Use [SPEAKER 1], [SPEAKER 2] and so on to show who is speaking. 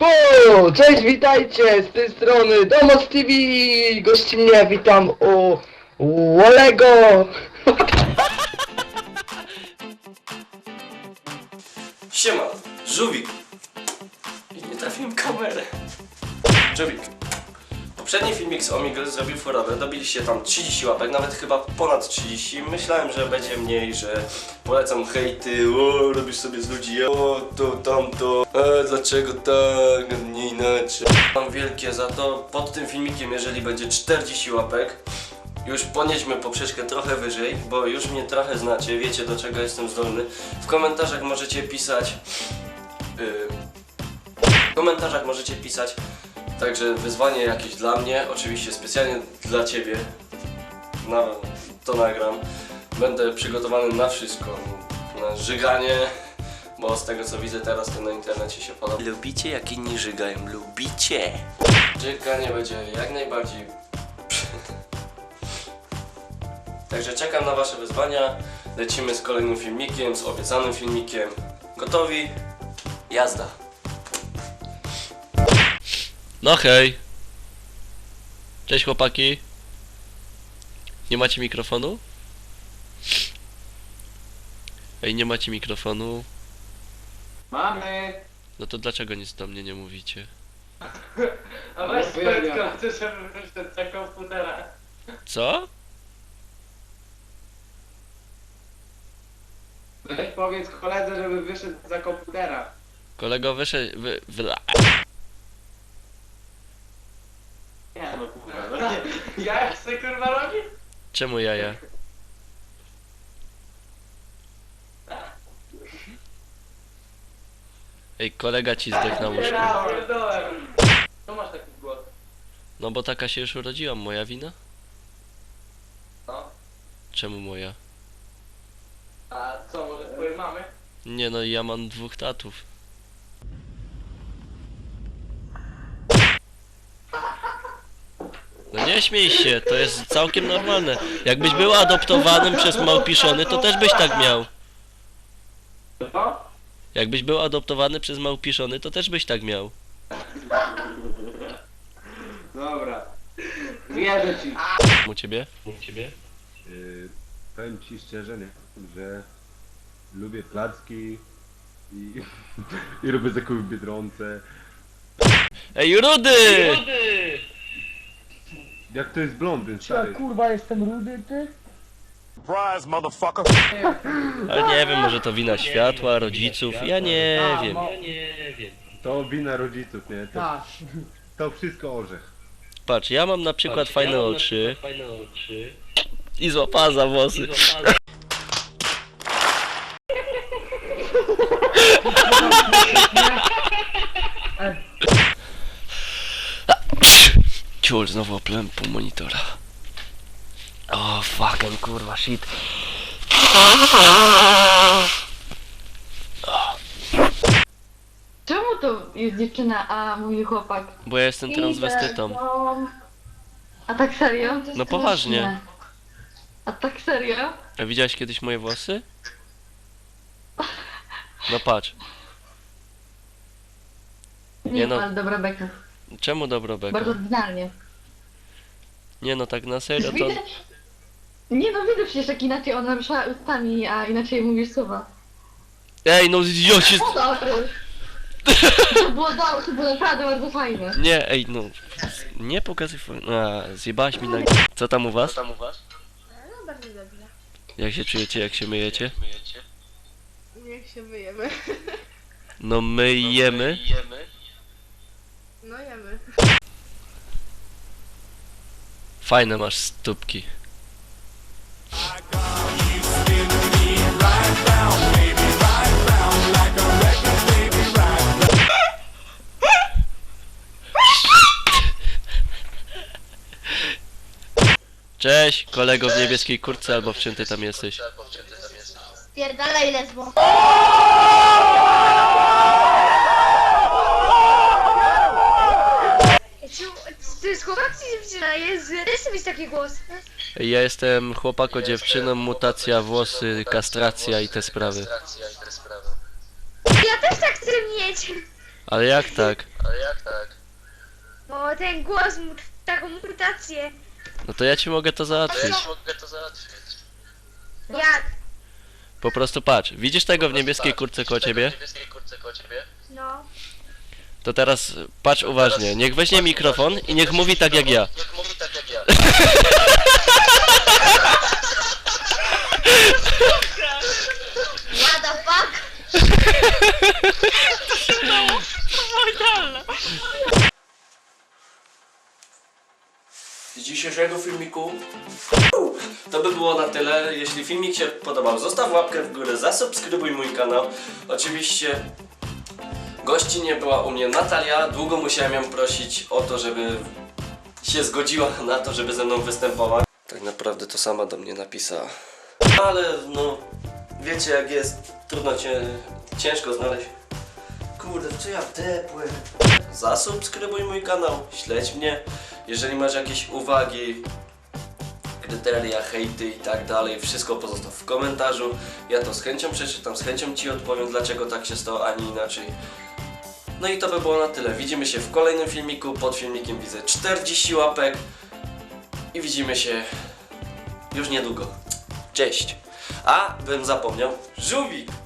[SPEAKER 1] Cześć, witajcie, z tej strony Domos TV, gości mnie, witam u Olego.
[SPEAKER 2] Siema, Żółwik. I nie trafiłem kamerę. Żółwik. Poprzedni filmik z Omegle zrobił furorę, dobiliście tam 30 łapek, nawet chyba ponad 30. Myślałem, że będzie mniej, że polecam hejty, o, robisz sobie z ludzi, o, to, tamto, dlaczego tak, a nie inaczej. Mam wielkie za to, pod tym filmikiem, jeżeli będzie 40 łapek, już ponieśmy poprzeczkę trochę wyżej, bo już mnie trochę znacie, wiecie do czego jestem zdolny. W komentarzach możecie pisać... Także wyzwanie jakieś dla mnie, oczywiście specjalnie dla Ciebie. To nagram. Będę przygotowany na wszystko. Na żyganie, bo z tego co widzę teraz to na internecie się podoba. Lubicie jak inni żygają? Lubicie? Żyganie będzie jak najbardziej. Także czekam na Wasze wyzwania. Lecimy z kolejnym filmikiem, z obiecanym filmikiem. Gotowi? Jazda!
[SPEAKER 3] No hej. Cześć chłopaki. Nie macie mikrofonu? Ej, nie macie mikrofonu?
[SPEAKER 1] Mamy.
[SPEAKER 3] No to dlaczego nic do mnie nie mówicie?
[SPEAKER 4] A weź prędko, ty żeby wyszedł za komputera.
[SPEAKER 3] Co?
[SPEAKER 4] Weź powiedz koledze, żeby wyszedł za komputera.
[SPEAKER 3] Kolego wyszedł...
[SPEAKER 4] Nie no kurwa, no nie. Ja jak sobie kurwa robi?
[SPEAKER 3] Czemu jaja? Ej, kolega ci zdechł na łóżku.
[SPEAKER 4] Ja pierdolę. Co masz taki głos?
[SPEAKER 3] No bo taka się już urodziłam, moja wina?
[SPEAKER 4] No.
[SPEAKER 3] Czemu moja?
[SPEAKER 4] A co, może twojej mamy?
[SPEAKER 3] Nie no, ja mam 2 tatów. No nie śmiej się, to jest całkiem normalne. Jakbyś był adoptowanym przez małpiszony, to też byś tak miał.
[SPEAKER 4] Co?
[SPEAKER 3] Jakbyś był adoptowany przez małpiszony, to też byś tak miał.
[SPEAKER 4] Dobra. Wierzę ci.
[SPEAKER 3] U ciebie?
[SPEAKER 5] Powiem ci szczerze, nie, że lubię placki i, i robię zakupy w Biedronce.
[SPEAKER 3] Ej, Rudy!
[SPEAKER 5] Jak to jest blondyn, stary?
[SPEAKER 1] Kurwa, jestem rudy, ty?
[SPEAKER 6] Surprise, motherfucker.
[SPEAKER 3] Ale nie wiem, może to wina światła, rodziców, ja nie wiem.
[SPEAKER 5] To wina rodziców, nie? To,
[SPEAKER 1] Tak.
[SPEAKER 5] to wszystko orzech.
[SPEAKER 3] Patrz, ja mam na przykład fajne oczy i złapała za włosy. Ciul, znowu oplułem pół monitora. O, fucking kurwa, shit.
[SPEAKER 7] Czemu to jest dziewczyna, a mówi chłopak?
[SPEAKER 3] Bo ja jestem transwestytą.
[SPEAKER 7] A tak serio? To jest
[SPEAKER 3] No poważnie.
[SPEAKER 7] straszne. A tak serio?
[SPEAKER 3] A widziałeś kiedyś moje włosy? No patrz.
[SPEAKER 7] Nie,
[SPEAKER 3] no.
[SPEAKER 7] ale dobra beka.
[SPEAKER 3] Czemu dobro beka?
[SPEAKER 7] Bardzo oryginalnie.
[SPEAKER 3] Nie no, tak na serio to...
[SPEAKER 7] Widać... Nie no, widzę przecież jak inaczej ona rusza ustami, a inaczej mówisz słowa.
[SPEAKER 3] Ej, no idioci!
[SPEAKER 7] Dobry. To było naprawdę bardzo fajne.
[SPEAKER 3] Nie, ej, no... Nie pokazuj... Zjebałaś mi na... Co tam u was?
[SPEAKER 8] No bardzo dobrze.
[SPEAKER 3] Jak się czujecie, jak się myjecie?
[SPEAKER 8] Jak się myjemy?
[SPEAKER 3] No myjemy.
[SPEAKER 8] No jemy.
[SPEAKER 3] Fajne masz stópki. Cześć, kolego w niebieskiej kurtce, albo w czym ty tam jesteś?
[SPEAKER 8] Pierdalaj lesbo. To jest chłopak czy dziewczyna? Jest, też mieć taki głos.
[SPEAKER 3] Ja jestem chłopako dziewczyną, mutacja, włosy, kastracja i te sprawy.
[SPEAKER 8] Ja też tak chcę mieć.
[SPEAKER 3] Ale jak tak?
[SPEAKER 8] Bo ten głos mu taką mutację.
[SPEAKER 3] No to ja ci mogę to załatwić.
[SPEAKER 8] Jak?
[SPEAKER 3] Po prostu patrz, widzisz tego w niebieskiej kurtce koło ciebie?
[SPEAKER 8] No.
[SPEAKER 3] To teraz patrz uważnie, niech weźmie mikrofon i niech mówi tak jak ja.
[SPEAKER 8] What the fuck?
[SPEAKER 2] Z dzisiejszego filmiku to by było na tyle. Jeśli filmik się podobał, zostaw łapkę w górę, zasubskrybuj mój kanał. Oczywiście gościnie była u mnie Natalia. Długo musiałem ją prosić o to, żeby się zgodziła na to, żeby ze mną występować. Tak naprawdę to sama do mnie napisała. Ale no, wiecie jak jest, trudno ciężko znaleźć. Kurde, w co ja wdepłem? Zasubskrybuj mój kanał, śledź mnie. Jeżeli masz jakieś uwagi, kryteria, hejty i tak dalej, wszystko pozostaw w komentarzu. Ja to z chęcią przeczytam, z chęcią Ci odpowiem, dlaczego tak się stało, a nie inaczej. No i to by było na tyle. Widzimy się w kolejnym filmiku. Pod filmikiem widzę 40 łapek. I widzimy się już niedługo. Cześć! A, bym zapomniał, żółwik!